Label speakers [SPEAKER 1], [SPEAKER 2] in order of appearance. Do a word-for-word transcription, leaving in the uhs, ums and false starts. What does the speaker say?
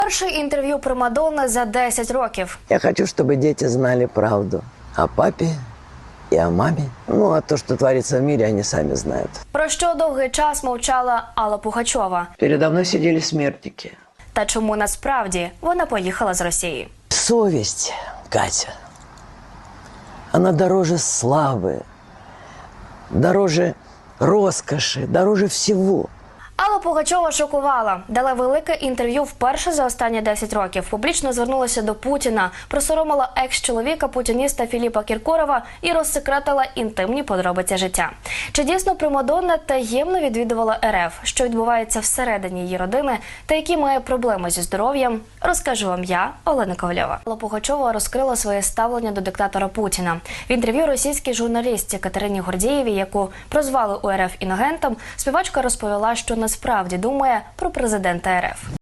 [SPEAKER 1] Перше інтерв'ю примадонни за десять років.
[SPEAKER 2] Я хочу, чтобы дети знали правду о папе и о маме. Ну, а то, что творится в мире, они сами знают.
[SPEAKER 1] Про що довгий час мовчала Алла Пугачова.
[SPEAKER 2] Передо мной сидели смертники.
[SPEAKER 1] Та чому насправді вона поїхала з Росії.
[SPEAKER 2] Совесть, Катя, она дороже славы, дороже роскоши, дороже всего.
[SPEAKER 1] Алла Пугачова шокувала. Дала велике інтерв'ю вперше за останні десять років. Публічно звернулася до Путіна, просоромила екс-чоловіка путініста Філіпа Кіркорова і розсекретила інтимні подробиці життя. Чи дійсно примадонна таємно відвідувала РФ? Що відбувається всередині її родини та які має проблеми зі здоров'ям? Розкажу вам я, Олена Ковальова. Алла Пугачова розкрила своє ставлення до диктатора Путіна. В інтерв'ю російській журналістці Катерині Гордієвій, яку прозвали у РФ інагентом, співачка розповіла, що насправді думає про президента РФ.